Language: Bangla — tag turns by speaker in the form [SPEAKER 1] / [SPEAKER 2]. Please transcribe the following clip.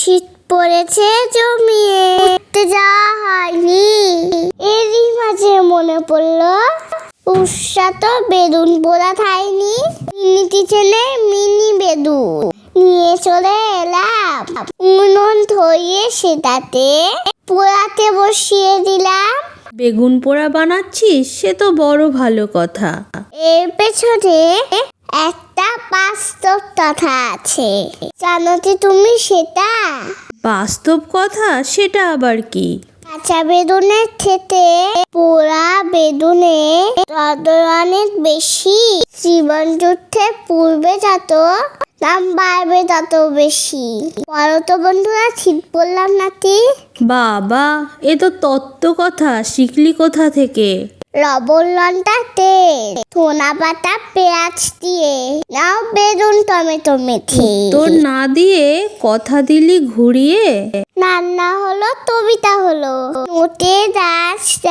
[SPEAKER 1] শীত পড়েছে জমিয়ে, উঠতে যাওয়া হয়নি। এরই মাঝে মনে পড়লো উষা তো বেদুন পোড়া খায়নি। মিনি কিচেনে মিনি বেদুন নিয়ে চলে এলাম। উনুন ধরিয়ে সেটাতে পোড়াতে বসিয়ে দিলাম।
[SPEAKER 2] বেগুন পোড়া বানাচ্ছিস, সে তো বড় ভালো কথা।
[SPEAKER 1] এর পেছনে একটা বাস্তব কথা আছে, জানো কি তুমি সেটা?
[SPEAKER 2] বাস্তব কথা? সেটা আবার কি?
[SPEAKER 1] কাঁচা বেদুনের থেকে পোড়া বেদুনে অনেক বেশি। জীবন যুদ্ধে পূর্বে যত দাম বাড়বে তত বেশি। বলো তো বন্ধুরা, ঠিক বললাম নাকি?
[SPEAKER 2] বাবা, এ তো তত্ত্ব কথা, শিখলি কোথা থেকে?
[SPEAKER 1] লবণ, লঙ্কা, তেল, ধনা পাতা, পেঁয়াজ দিয়ে নাও বেদুন টমেটো মেখে।
[SPEAKER 2] তোর না দিয়ে কথা দিলি ঘুরিয়ে।
[SPEAKER 1] রান্না হলো, কবিতা হলো, নোটে গাছ